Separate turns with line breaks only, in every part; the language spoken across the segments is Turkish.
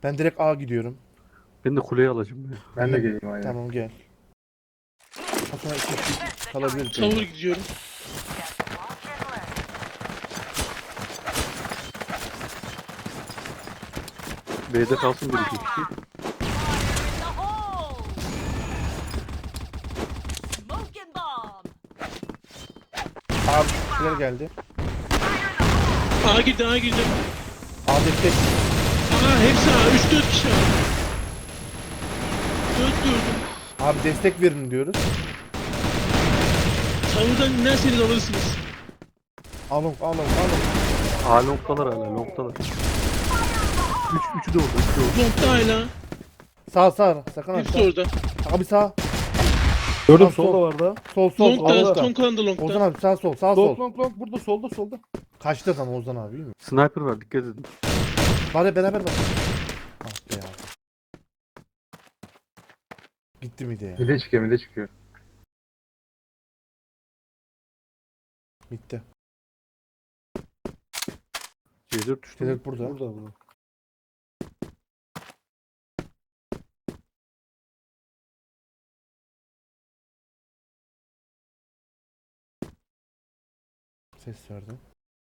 Ben direkt A gidiyorum.
Ben de kuleyi alacağım ya.
Ben de geleyim aynen.
Tamam gel. Sonra iki kişi kalabilir.
Tower gidiyorum.
B'de kalsın bir iki kişi.
Abi kişiler geldi.
A girdi, A girdi.
A destek.
Aa hepsi A. 3-4 kişi A. 4 gördüm.
Abi destek verin diyoruz.
Tower'dan inerseniz alırsınız.
Alın.
A noktalar hala noktalar. Üçü de orada. Üçü de orada.
Nokta hala.
Sağ. Sakın
Hepsi
aşağı.
orada.
Abi sağ.
Gördüm
Sol.
solda var da.
Sol.
Long'da,
Altta.
son kalan da
Ozan
long'da.
abi sağ sol.
Long burada solda.
Kaçtı adam Ozan abi değil mi?
Sniper var dikkat edin.
Bari beraber bak. Ah be ya. Gitti miydi ya?
Bir de çıkıyor.
Bitti.
C4 düştü.
Direkt burada.
Burada.
Ses verdim.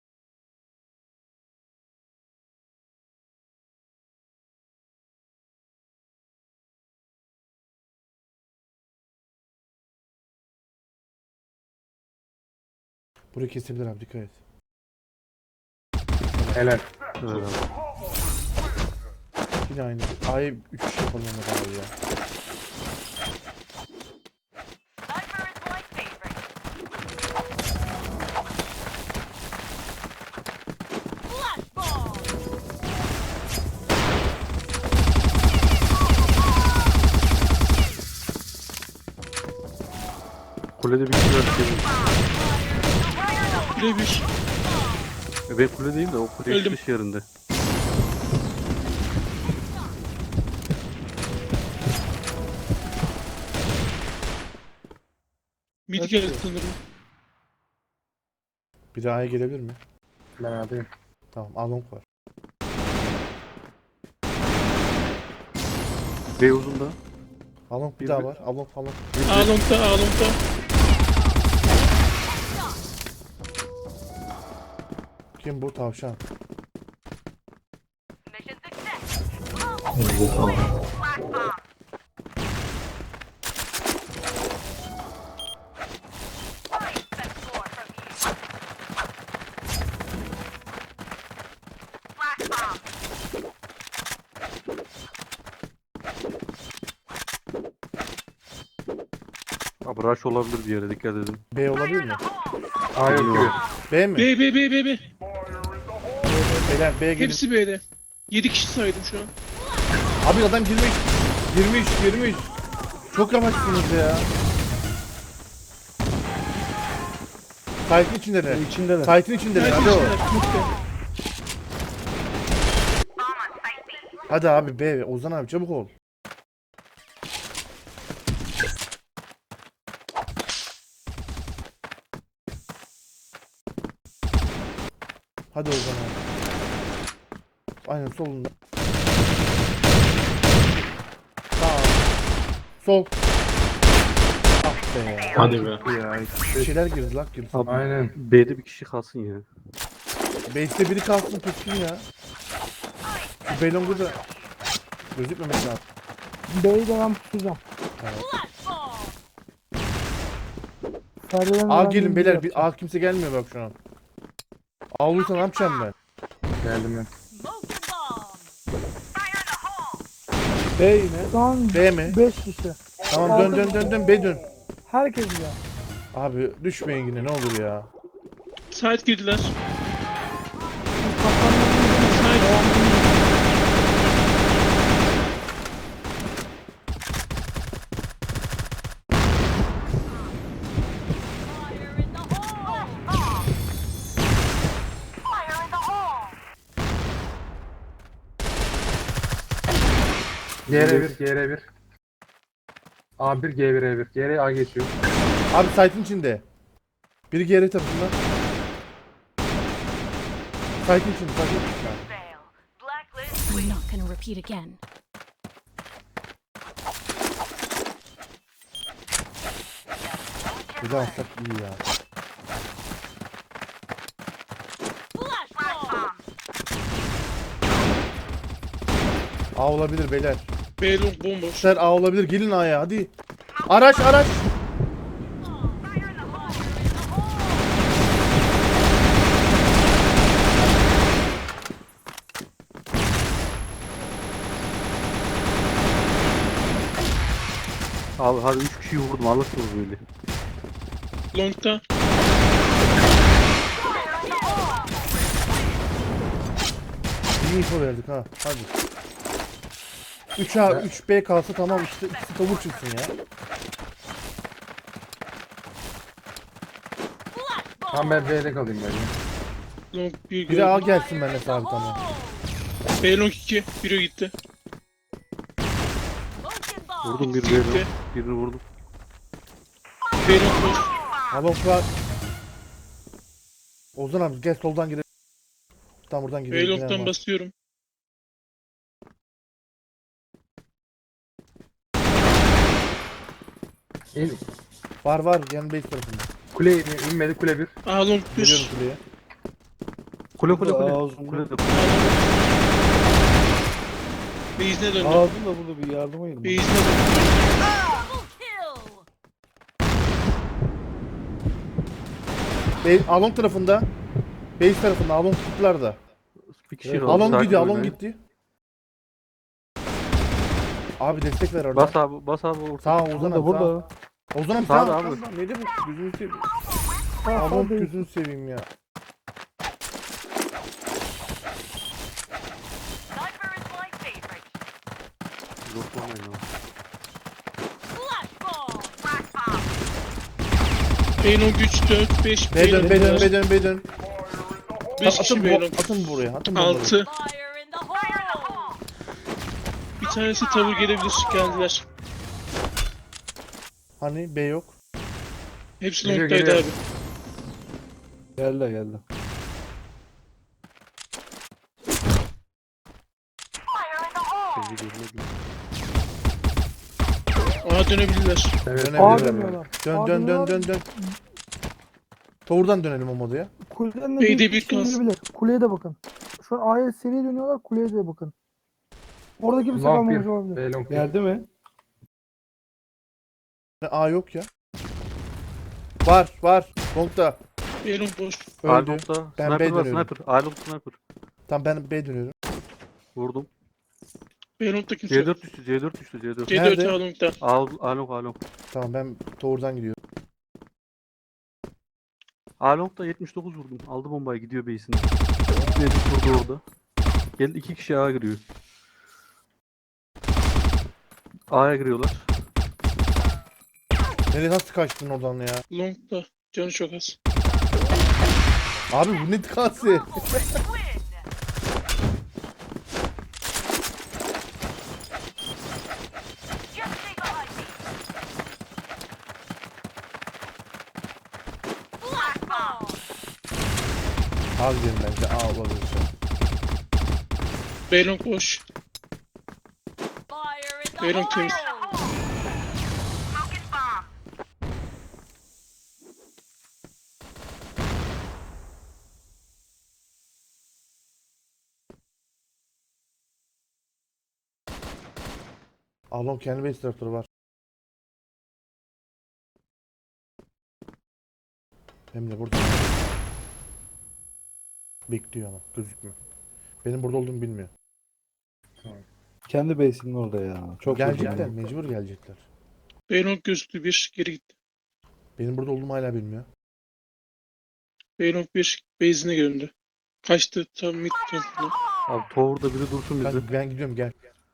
Burayı kesebilir abi dikkat et.
Helal.
Evet.
Yine aynı. A'yı 3 kişi yapalım ona abi ya.
Kulede bir kişi var.
Bire bir.
Ben kuledeyim de o kule
Öldüm.
dış yerinde.
Mid geldi sanırım.
Biri A'ya gelebilir mi?
Ben alayım.
Tamam Along var.
B uzunda.
Along bir
Bir
daha
mi?
var. Along.
A long'da, A long'da.
Kim bu tavşan?
Abi rush olabilir bir yere dikkat edin.
B olabilir mi?
A yok gibi.
B mi?
B.
Beyler B'ye gelin.
Hepsi B'de. 7 kişi saydım şu an.
Abi adam girmiş. Çok yavaşsınız ya. Site'in içindeler.
İçindeler.
Site'in içindeler. Hadi o. Hadi abi B. Ozan abi çabuk ol. Hadi Ozan abi. Aynen solunda. Sağ. Sol. Ah be ya.
Hadi be.
Ya,
Bir şeyler girdi lan girdi.
Abi
Aynen.
B'de bir kişi kalsın ya.
Base'de biri kalsın tutsun ya. Şu Belong'u da gözükmemek lazım.
B'yi de ben tutacağım. Sarıların
A
ben
gelin
bir
beyler.
yapacağım.
A kimse gelmiyor bak şu an. A olursa ne yapacağım ben?
Geldim ben.
B yine.
Şu an
B mi?
5 kişi.
Tamam dön B dön.
Herkes ya.
Abi düşmeyin yine ne olur ya.
Side girdiler. Side.
GR1, GR1. A1, G1, E1. GR A geçiyor.
Abi site'in içinde. Biri geri tarafından. Site'in içinde.
We're not gonna repeat again.
Bir daha atsak iyi ya. A olabilir beyler.
B long bomboş.
Ser A olabilir. Gelin A'ya hadi. Araç araç.
Abi hadi 3 kişiyi vurdum alırsınız böyle.
Long'da.
İyi info verdik ha. Hadi. 3A 3B kalsa tamam işte ikisi tavuk çıksın ya.
Tamam ben B'de kalayım böyle.
Long 1
Biri A
gördüm.
gelsin benimle sabit ama.
B long 2. Biri gitti.
Vurdum bir
Gitti.
verim. Birini vurdum.
B long boş.
Alonk var. Ozan abi gel soldan girelim. Tam buradan
B
girelim.
long'dan basıyorum.
İn.
Var var yan base tarafında.
Kule inmedi kule 1.
A long
Geliyorum
1.
kuleye.
Kule kule kule.
Ağzım-
Kule de.
Base'ine döndü.
Ağzım da burada bir yardıma yedim.
Base'ine döndü.
Alonk tarafında. Base tarafında Alonk kutularda.
Bir kişi
Evet,
kaldı.
Alonk
Sakin
gidiyor Alonk
oynayın.
gitti. Abi destek ver orada.
Bas abi orta.
Sağ Ozan
Burada
abi sağ.
burada.
Ozan abi
Sağda
sağ.
abi.
Neydi bu? Gözünü seveyim.
Sağ
Alonk
sağ değil.
gözünü seveyim ya.
Zorlamayın abi.
B long 3, 4, 5.
B dön B dön B dön B dön.
5 kişi
Atın,
B long.
atın buraya. Atın buraya.
6. Bir tanesi tavır gelebilir. Geldiler.
Hani B yok.
Hepsi
Geliyor,
long'daydı
geliyor.
abi.
Geldi geldi.
Kendi görmedim.
A dönebilirler.
Evet.
A
Dönebilirler.
dönüyorlar.
Dön
A
dön dön
dönüyorlar.
dön dön. Doğrudan dönelim o moduya.
Kuleden de
B'de
bir
bir
kişi
kalsın.
indirebilir. Kuleye de bakın. Şu an A'ya seri dönüyorlar. Kuleye de bakın. Orada kimse
Long
kalmamış
1.
olabilir.
B long 1.
Geldi mi?
A yok ya. Var var. Long'da.
B long boş.
Öldü.
Along'da.
Ben
Sniper
B
var
dönüyorum.
sniper. Along sniper.
Tamam ben B dönüyorum.
Vurdum.
B long'da kimse yok.
C4 düştü C4 düştü C4.
C4
Nerede?
A long'da.
Along.
Tamam ben doğrudan gidiyorum.
Along'da 79 vurdum. Aldı bombayı gidiyor base'ine. Gitmedi vurdu orada. Geldi 2 kişi A'ya giriyor. A'ya giriyorlar.
Nereye nasıl kaçtın oradan ya?
Long'da. Canı çok az.
Abi bu ne tıkansı? A gidelim bence. A olabilir.
B long boş. B long temiz.
Alon kendi base taraftarı var. Hem de burada. Bekliyor ama gözükmüyor. Benim burada olduğumu bilmiyor.
Kendi base'inin orada ya. Çok
Gelecekler,
üzüldüm.
mecbur gelecekler.
B long gözüktü 1. Geri gitti.
Benim burada olduğumu hala bilmiyor.
B long 1. Base'ine göründü. Kaçtı tam mid tarafına.
Abi tower'da biri dursun bizi.
Ben gidiyorum gel.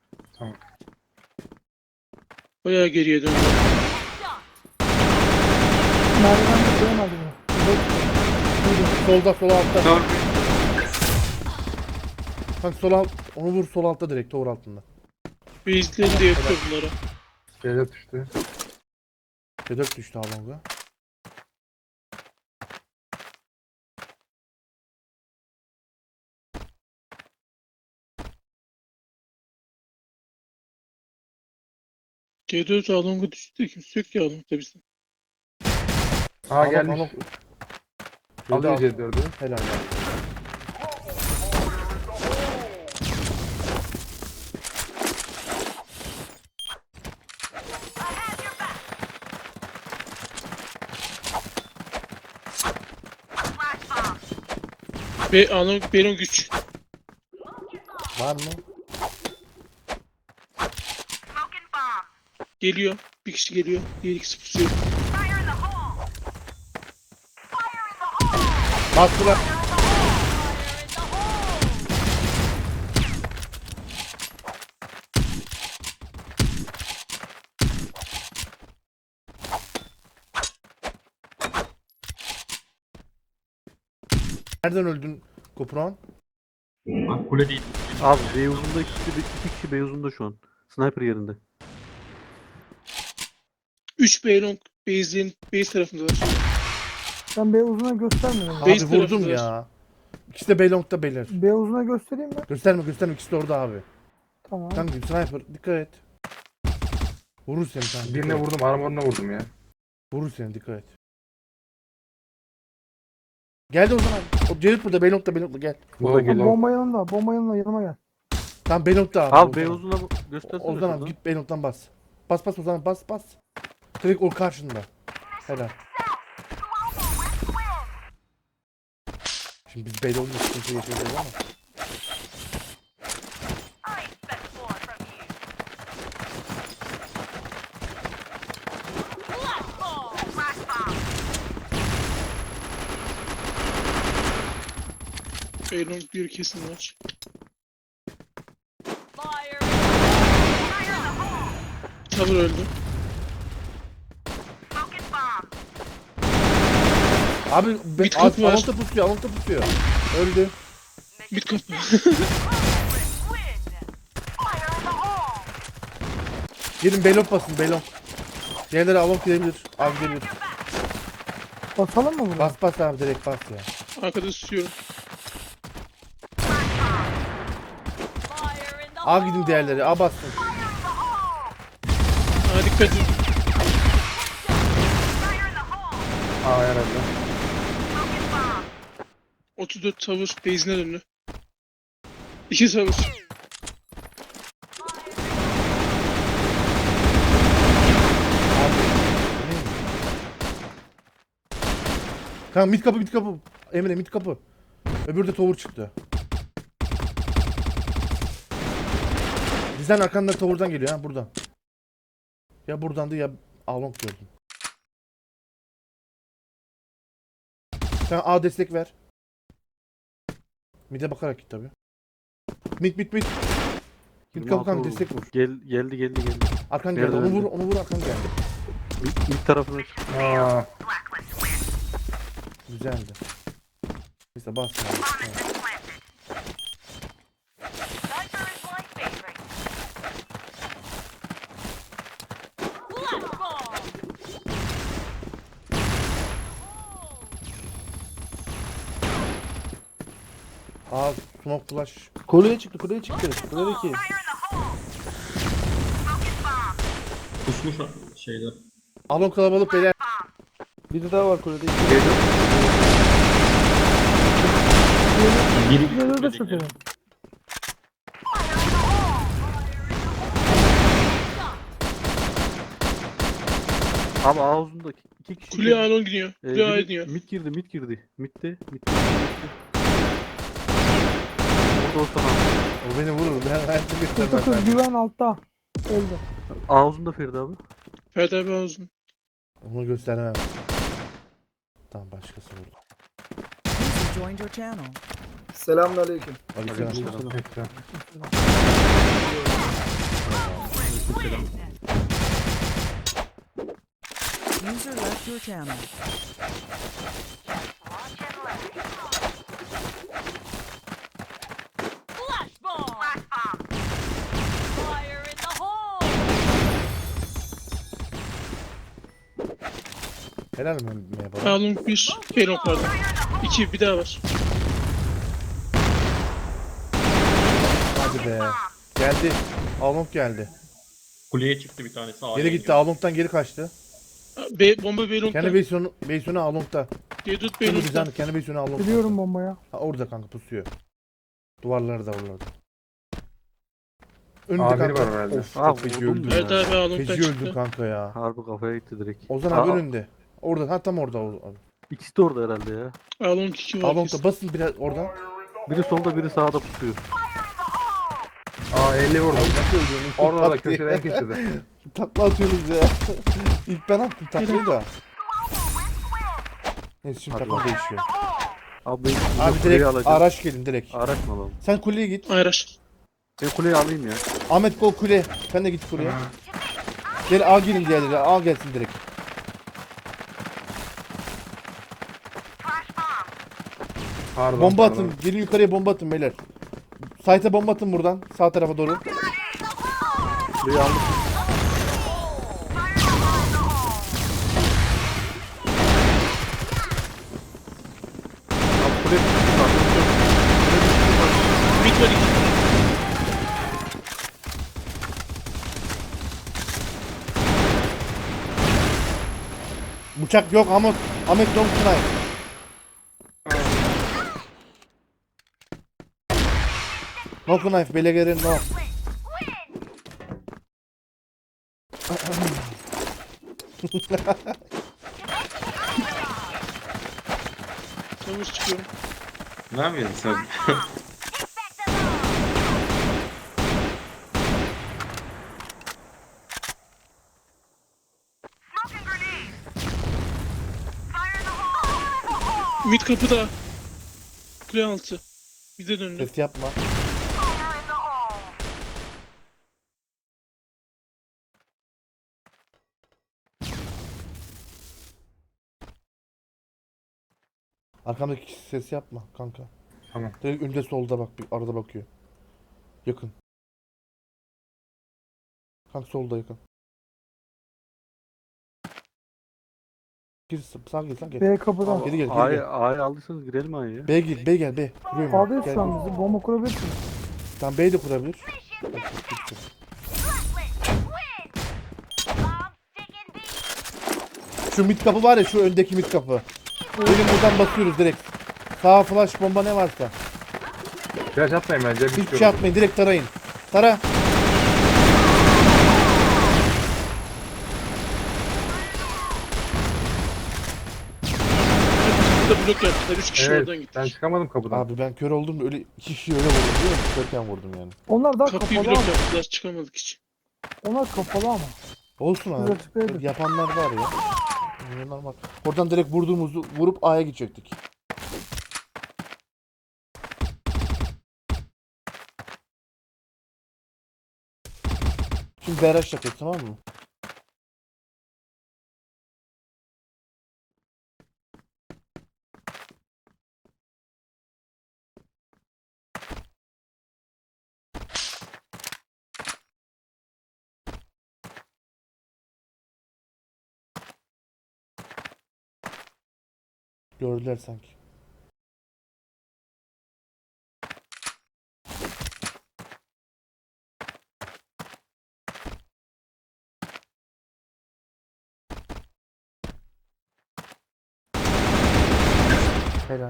Bayağı geriye döndü.
Merdiven de koyamadı bunu.
Solda sol altta. Kanka sol alt. Onu vur sol altta direkt tower altında.
Base'lerini de yapıyor bunlara.
C4 düştü.
C4 düştü Alonga.
G4 Along'a düştü de kimse yok ya Along'da bizde.
A gelmiş. Alıyor
Alıyor.
C4'ü.
Helal ya.
Along Belong 3.
Var mı?
Geliyor. Bir kişi geliyor. Diğer ikisi pusuyor.
Bastılar. Nereden öldün Kopron?
Bak kule değil.
Abi B uzunda iki kişi B uzunda şu an. Sniper yerinde.
3 Belong base tarafındalar.
Ben B uzuna göstermedim.
Base
Abi vurdum
tarafındalar.
ya. İkisi de Belong'da beyler.
B uzuna göstereyim mi?
Gösterme gösterme, ikisi de orada abi.
Tamam.
Kanka sniper dikkat et. Vurur seni kanka.
Birine
dikkat et.
vurdum, armoruna vurdum ya.
Vurur seni, dikkat et. Geldi o zaman. O Cerit burada, Belong'da gel.
Burada
Long,
geliyor.
long.
Bomba yanımda. Bomba yanımda. Yanıma gel.
Tamam Belong'da abi.
Abi B
Ozan.
uzuna göstersene.
Ozan abi
şuradan.
git Belong'dan bas. Bas Ozan, bas. Direkt o karşında. Helal. Şimdi biz Belong'da sıkıntı yaşayacağız ama.
Belong 1 kesin var. Tower öldü.
Abi
Bir kapı var.
Alonta pusuyor. Öldü.
Mid kapı.
Gelin Belong basın, Belong. Diğerleri Along gidebilir. Abi gelir.
Basalım mı bunu?
Bas abi, direkt bas ya.
Arkada tutuyorum.
A gidin diğerleri. A bassın.
Dikkat edin.
A herhalde.
34 Tower base'ine döndü. 2 Tower.
Kanka mid kapı. Emre mid kapı. Öbürü de tower çıktı. Bizden arkanda tower'dan geliyor ha, buradan. Ya buradandı ya Along gördüm. Sen A destek ver. Mid'e bakarak git tabi. Mid. Mid kapı
26
kanka,
vurdu.
destek vur.
Geldi.
Arkan geldi.
Nereden
Onu vur arkan geldi.
İlk tarafına çık.
Aa,
Güzeldi. Neyse bas ya. Evet. Aa, smoke flash.
Kuleye çıktı. Kuledeki.
Kusmuş şeyler.
Alon kalabalık beyler.
Biri daha var kulede.
Biri
Geliyor da çökelim.
Abi A uzunda iki kişi.
Kule Along gidiyor. Kule A'ya gidiyor.
Mid girdi. Mid'de. Orada olsan abi.
O beni vurur. Ben her türlü göstermem.
49 güven altta. Öldü.
A uzunda Ferdi abi.
Ferdi abi ağzını.
Onu göstermem. Tamam, başkası vurdu.
User joined your channel.
Selamünaleyküm.
Aleykümselam.
ekran.
User left your channel.
Helal mi baba?
Along 1. Belong pardon. 2 bir daha var.
Hadi be. Geldi. Along geldi.
Kuleye çıktı bir tanesi. A'ya
Geri gitti.
iniyor.
Along'dan geri kaçtı.
Bomba B long'da.
Kendi base'ini Along'da.
Dedut B
Şimdi
long'da.
bizden kendi base'ini Along'da.
Biliyorum bombaya.
Ha, orada kanka pusuyor. Duvarları da oralarda. Önünde
A1
kanka.
var herhalde.
Of,
Aa,
çok feci
vurdum
öldüm
ya.
Evet abi Along'dan
Feci öldüm
çıktı.
kanka ya.
Harbi kafaya gitti direkt.
Ozan abi
Aa,
önünde. Orada, ha tam orada. Abi.
İkisi de orada herhalde ya.
Along 2 var.
Along'da basın biraz oradan.
Biri solda biri sağda pusuyor.
Aa 50 vurdum.
Nasıl öldürdün?
Orada da köşeden köşede.
Takla atıyorsunuz ya. İlk ben attım taklayı da. Neyse şimdi
Hadi
takla
bakalım.
değişiyor.
Abi ben
Abi
kuleyi
direkt
alacağım.
araç gelin direkt.
Araç mı alalım?
Sen kuleye git.
Ayraş.
Ben kuleyi alayım ya.
Ahmet gol kule. Sen de git kuleye. Gel A gelin diğerleri. A gelsin direkt.
Pardon.
Bomba
pardon.
atın. Gelin yukarıya bomba atın beyler. Site'e bomba atın buradan. Sağ tarafa doğru.
Kuleyi aldım. Abi kule
Mid var 2.
Bıçak yok Ahmet. Ahmet don't try. No knife. Belegerin no.
Tavır çıkıyorum.
Ne yapıyorsun sen?
Mid kapıda. Kule altı. Bize döndü.
Ses yapma. Arkamdaki kişi ses yapma kanka.
Tamam.
Direkt önde solda bak, bir arada bakıyor. Yakın. Kanka solda yakın. Gir sağ gel sağ gel.
B kapıdan.
Geri gel geri
A'yı
gel.
A'yı aldıysanız girelim A'ya.
B gel B gel B. Kuruyorum.
A'dayız
Gel,
şu an
gel.
bizi. Bomba kurabilirsin.
Tamam B'yi de kurabilir. Şu mid kapı var ya, şu öndeki mid kapı. Gelin buradan basıyoruz direkt. Sağ flash bomba ne varsa.
Flash atmayın bence.
Hiçbir şey atmayın, direkt tarayın. Tara.
Burada blok yaptılar. 3 kişi oradan
Evet.
gitti.
Ben çıkamadım kapıdan.
Abi ben kör oldum da öyle iki kişiyi öyle vurdum biliyor musun? Körken vurdum yani.
Onlar daha
Kapıyı
kapalı
blok
ama.
yaptılar. Çıkamadık hiç.
Onlar kapalı ama.
Olsun
Biz
abi.
açıklayalım.
Yapanlar var ya. Normal. Oradan direkt vurduğumuzu vurup A'ya gidecektik. Şimdi BRH yapıyoruz, tamam mı? Gördüler sanki. Helal.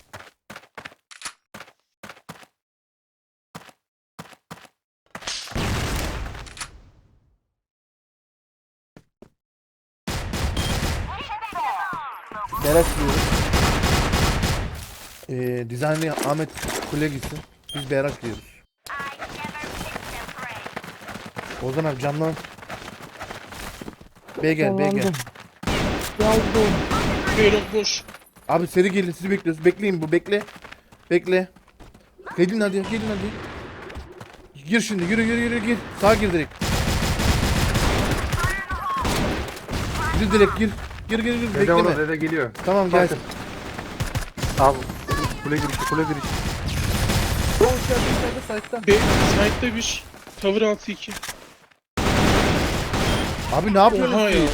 Berak diyoruz. Dizaynlı Ahmet Kule gitsin. Biz Berak diyoruz. Ozan abi canlan. B gel B gel.
Sonlandım. Yazdım.
Beylong boş.
Abi seri gelin, sizi bekliyoruz. Bekleyin, bu bekle. Bekle. Gelin hadi, gelin hadi. Gir şimdi, yürü gir. Sağa gir direkt. Gir direkt gir. Gir
Dede
bekleme.
orada, dede geliyor.
Tamam gel.
Bakın.
Abi kule girişi kule girişi.
Side'da bir. Tavır altı 2.
Abi ne yapıyorsun
Oha ya.
siz?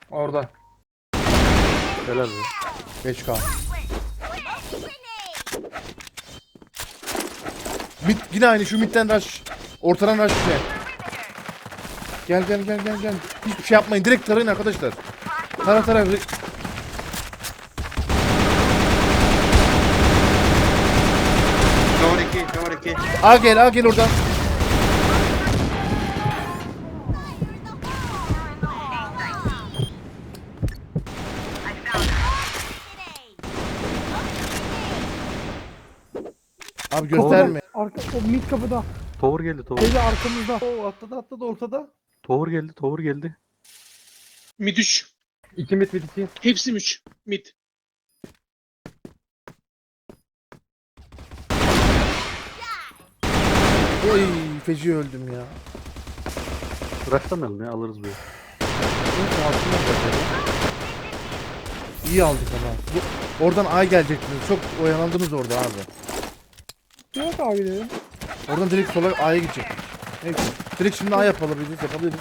Orada.
Helal be.
5K. Mid yine aynı şu midden rush. Ortadan rush yine. Gel. Hiçbir şey yapmayın. Direkt tarayın arkadaşlar. Tara.
Cover 2.
A gel oradan. Abi gösterme.
Arka, o mid kapıda.
Tower geldi tower.
Teyze arkamızda.
Oo atladı ortada.
Tower geldi.
Mid 3.
2 mid 2.
Hepsi 3. Mid.
Oy feci öldüm ya.
Bıraksamayalım ya alırız böyle.
Neyse, altına bırakalım. İyi aldık ama. Oradan ay gelecektiniz. Çok oyalandınız orada abi.
Yok abi dedim.
Oradan direkt sola A'ya gidecek. Neyse. Direkt şimdi A yapabiliriz.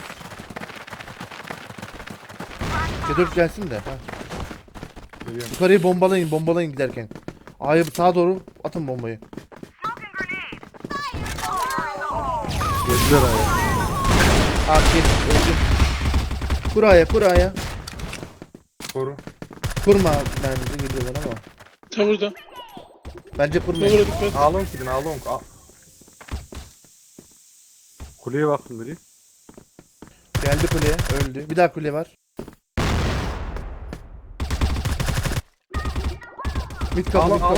C4 gelsin de. Ha.
Geliyorum.
Yukarıyı bombalayın giderken. A'ya sağa doğru atın bombayı.
Geldiler aya.
Okey. Öldü. Kur A'ya.
Koru.
Kurma bence gidiyorlar ama.
Tavırda.
Bence kurmayın.
Tavıra dikkat.
Along gidin along.
Kuleye baktım biri.
Geldi kuleye. Öldü. Bir daha kule var. Mid kapı.
Along.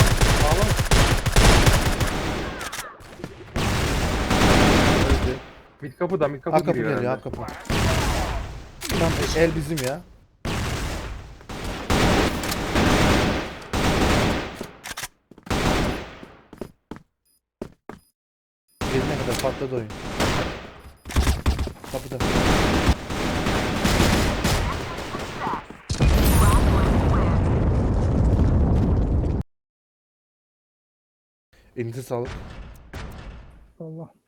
Öldü.
Mid kapıda mid
A
kapı
kapı
giriyor
geliyor. A
herhalde.
kapı. Tamam el bizim ya. Gelene kadar patladı oyun. Kapıda. Elinize sağlık.
Allah.